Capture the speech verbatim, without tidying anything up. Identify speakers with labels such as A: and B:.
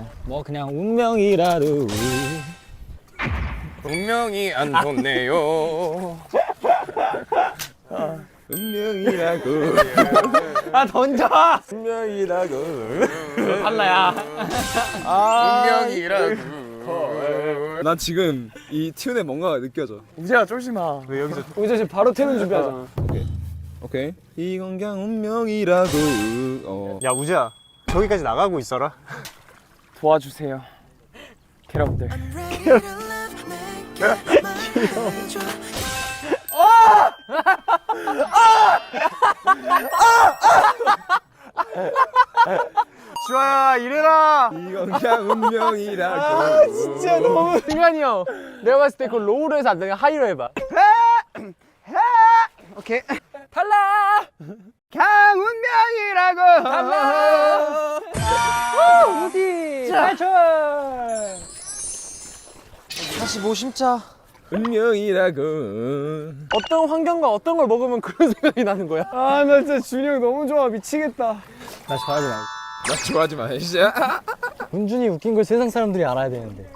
A: 뭐 그냥 운명이라도.
B: 운명이 안 좋네요.
C: 운명이라고.
A: 아 던져.
C: 운명이라고.
A: 달라야.
B: 운명이라고.
C: 난 지금 이 튠에 뭔가가 느껴져.
B: 우재야 쫄지 마. 왜 여기서?
A: 우리 지금 바로 퇴근 준비하잖아.
C: 오케이. 이건 그냥 운명이라고. 어.
D: 야 우재야 저기까지 나가고 있어라.
A: 도와주세요. 여러분들.
D: 주아야 이래라.
C: 이건 그냥 운명이라고.
A: 아, 진짜 너무. 승관이 형, 내가 봤을 때 그 로우로 해서 안 되면 하이로 해봐.
D: 오케이.
A: 달라.
D: 강운명이라고.
A: 달라. 우디. 탈출.
D: 다시 뭐 심자.
C: 운명이라고.
A: 어떤 환경과 어떤 걸 먹으면 그런 생각이 나는 거야? 아, 나 진짜 준이 형 너무 좋아. 미치겠다. 나 좋아하지 마.
C: 나 좋아하지 마, 진짜.
A: 문준이 웃긴 걸 세상 사람들이 알아야 되는데.